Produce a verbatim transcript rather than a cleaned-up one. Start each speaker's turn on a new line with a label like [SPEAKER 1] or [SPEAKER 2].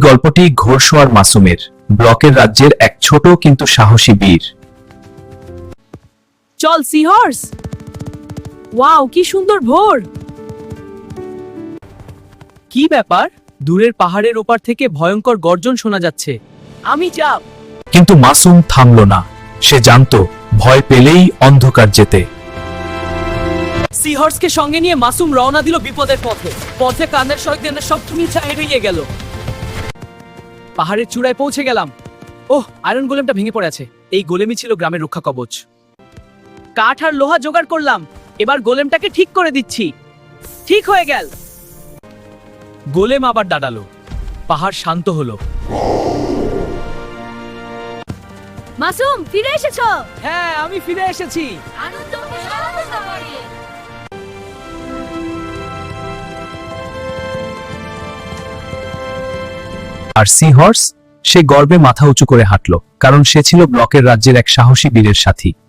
[SPEAKER 1] গল্পটি ঘোড়সওয়ার মাসুমের, ব্লকের রাজ্যের এক ছোট কিন্তু সাহসী বীর।
[SPEAKER 2] চল সিহর্স। ওয়াও, কি সুন্দর ভোর! কি ব্যাপার? দূরের পাহাড়ের ওপার থেকে ভয়ঙ্কর গর্জন শোনা যাচ্ছে। আমি যাব।
[SPEAKER 1] কিন্তু মাসুম থামল না। সে জানতো ভয় পেলেই অন্ধকার যেতে।
[SPEAKER 2] সিহর্সকে সঙ্গে নিয়ে মাসুম রওনা দিল বিপদের পথে। পথে কানের শয়তানের সব তুমি ছাড়িয়ে গেল। পাহাড়ের চূড়ায় পৌঁছে গেলাম। ওহ, আয়রন গোলেমটা ভেঙে পড়ে আছে। এই গোলেমই ছিল গ্রামের রক্ষা কবচ। কাঠ আর লোহা জোগাড় করলাম। এবার গোলেমটাকে ঠিক করে দিচ্ছি। ঠিক হয়ে গেল। গোলেম আবার দাঁড়ালো। পাহাড় শান্ত হলো।
[SPEAKER 3] মাসুম, ফিরে এসেছো?
[SPEAKER 2] হ্যাঁ, আমি ফিরে এসেছি।
[SPEAKER 3] আনন্দ ও শান্ত সফরে।
[SPEAKER 1] আর সিহর্স? সে গর্বে মাথা উঁচু করে হাঁটল, কারণ সে ছিল ব্লকের রাজ্যের এক সাহসী বীরের সাথী।